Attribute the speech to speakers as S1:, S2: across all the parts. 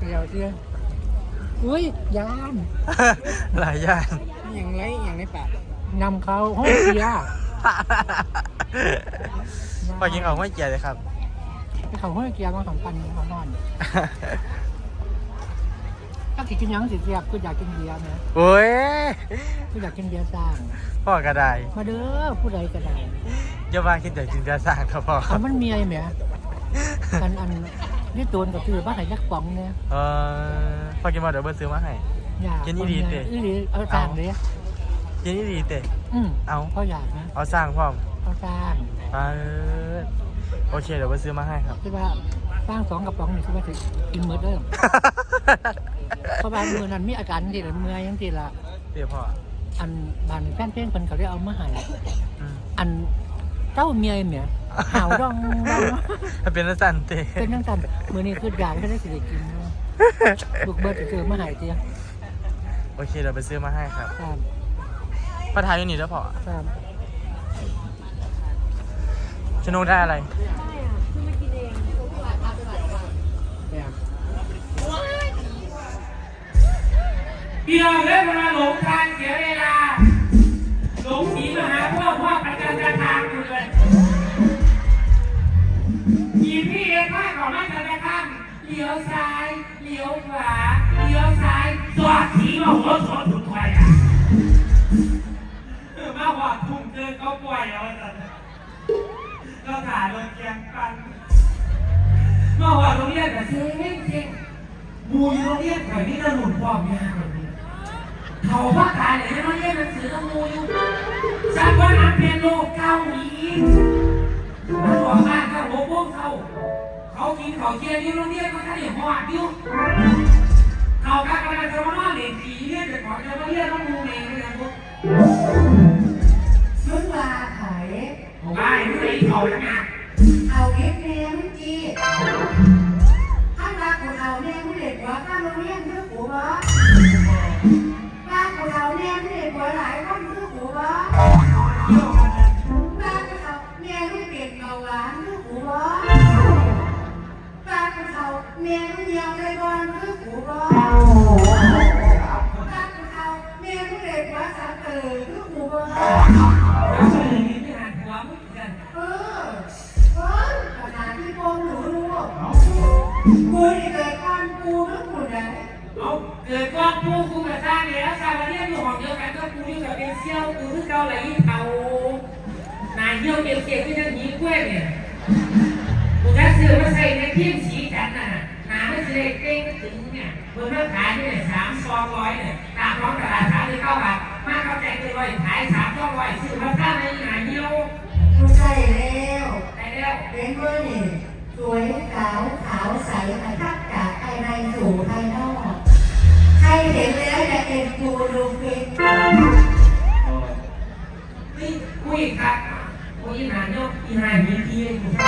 S1: ดียวเชื่ออุ้ยยาน
S2: หลายอย่าง
S1: อย่างไรอย่างในปากนำเขาห้องเสีย
S2: พอกินของไม่เกียร์เลยครับ
S1: ไปเขาห้องเกียร์มา2,000เขานอนถ้ากินยังสิเสียบก็อยากกินเบียร์นะ
S2: โอ้ย
S1: ก็อยากกินเบียร์สร้าง
S2: พ่อกระได
S1: มาเด้อผู้ใดก็ได้
S2: เยาว่าคิดแต่จินตนาสร้างครับพ่อครั
S1: เอา
S2: บ
S1: มันมีอะไรไหมอันนี่ตัวกับคือบ้านไหนยักษ์ป๋องเนี่ย
S2: พอกินมาเดี๋ยวเบิร์ซื้อมาให้
S1: อยาก
S2: กินอีหลีเตะ
S1: อีหลีเอาสร้างเลย
S2: กินนี่ดีเตะ เอา
S1: เขาอยากนะ
S2: เอาสร้างพ่อม
S1: เอาสร้าง
S2: โอเคเดี๋ยวเบิร์ซื้อมาให้ครับ
S1: คือว่าสร้าง2 กระป๋องนี่คือว่าจะกินเมื่อเดิมเพราะว่ามือนั้นมีอาการที่ละเมื่อยยังที่ละ
S2: เดี๋ยวพ่อ
S1: อันบ้านแฟนเพลงคนเขาได้เอามาให้
S2: อืม
S1: อันเจ้าเมียเนี่ยหาวร้อง
S2: เป็นนักสั่นเตะ
S1: เป็นทั้งกันมือนี้คืออยากให้ได้สิได้กินเนาะลูกเบิร์ดจะเจอมาให้เตี้ย
S2: โอเคเดี๋ยวไปซื้อมาให้ครับ
S1: ครับ
S2: พ่อทายอยู่นี่แล้วพ่อ
S1: ครับ
S2: ชนุกได้อะไร
S3: พี่น้องเล่นมาหลงทางเสียเวลาหลงสีมาหาพ่อประจันตทางอยู่เลยขี่พี่เองข้าของมาจันตทางเลี้ยวซ้ายเลี้ยวขวาเลี้ยวซ้ายสวัสดีมาหัวสดสุดไฟอ่ะมาหัวทุ่มเกินก็ป่วยแล้วก็ขาลงเกียงกันมาหัวโรงเรียนแต่เซ็งเซ็งบูอยู่โรงเรียนแถวนี้เราหนุนความยากแบบนี้เขาว่าตายเลยไม่เรียนหนังสือต้องมูอยู่ฉันว่านักเรียนโลกเก้าอีกมันบอกมากครับโอ้พวกเขากินเขาเกียร์นี่โรงเรียนมันก็ได้หอดอยู่เขากำลังจะมาล่อเหรียญผีเรียนแต่ก่อนจะมาเรียนต้องมูเองเลยพวก
S4: มึงว่าไข่
S3: ผมว่าไอ้ไม่เขาแล้วนะ
S4: เอาเก็บแม่มึงจีข้างรักของเราแม่มึงเด็กกว่าข้างโรงเรียนคือกูวะบ้านของเราแม่มึงเด็กกว่าหลายคนคือกูวะบ้านของเราแม่มึงเด็กเบาหวานคือกูวะบ้านของเราแม่มึงเหี่ยวใจบอลคือกูวะบ้านของเราแม่มึงเด็กกว่าสามคือกูวะ
S3: แล้วเฉลยนี่ไม่หันหัวมึงกัน
S4: ขนาดที่พวกหนูรู้กูนี่เกิดก่อนกูนึกหมดเลย
S3: เอาเกิดก้อนปูกูมาสร้างแล้วสร้างมาเรียนอยู่ห้องเดียวกันก็ปูนี่กับเป็นเซี่ยวกูคือเกาหลีเขานายเยี่ยวเกี่ยวก็จะหนีกล้วยเนี่ยกูจะซื้อมาใส่ในเพียงสีจันน่ะหาไม่ใช่เก่งถึงเนี่ยเมื่อมาขายที่เนี่ย300เนี่ยตามร้องตลาด39 บาทมาเขาแจกเลยขาย300ซื้อมาสร้างในหาเยี่ยว
S4: กูใช่แล้ว
S3: ได้แล้ว
S4: เป็นเมื่อนี่สวยขาวขาวใสทักจากภายในสู่ภายนอกใครเห็นแล้วจะเอ็นดูดูฟิน
S3: นี่คุยครับคุยหนาเนาะอีหามีทีเลยคุณ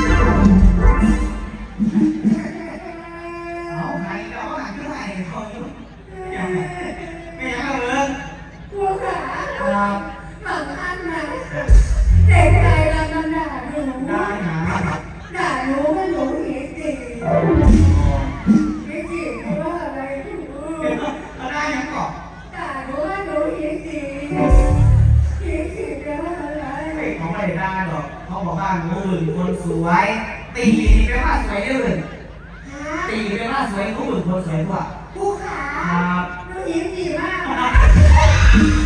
S5: เอาใครเอาหาที่ไหนเขาอยู่ไม่เอาเลย
S4: กูขาบางอันนะเด็กใจเรามันด่าหนู
S5: ได้นะ
S4: ด่าหนูว่าหนูเหี้ยจีเหี้ยจีเพราะว่าอะไรหนู
S5: เขาได้ยังก่อน
S4: ด่าหนูว่าหนูเหี้ยจีเหี้ยจีแปลว่าอะไร
S5: เขาไม่ได้หรอกเขาบอกว่ามือคนสวยตีแปลว่าสวยอื่น
S4: ฮะ
S5: ตีแปลว่าสวยเขาอื่นคนสวยกว่า
S4: กูขา
S5: ครับ
S4: หนูเหี้ยจีมาก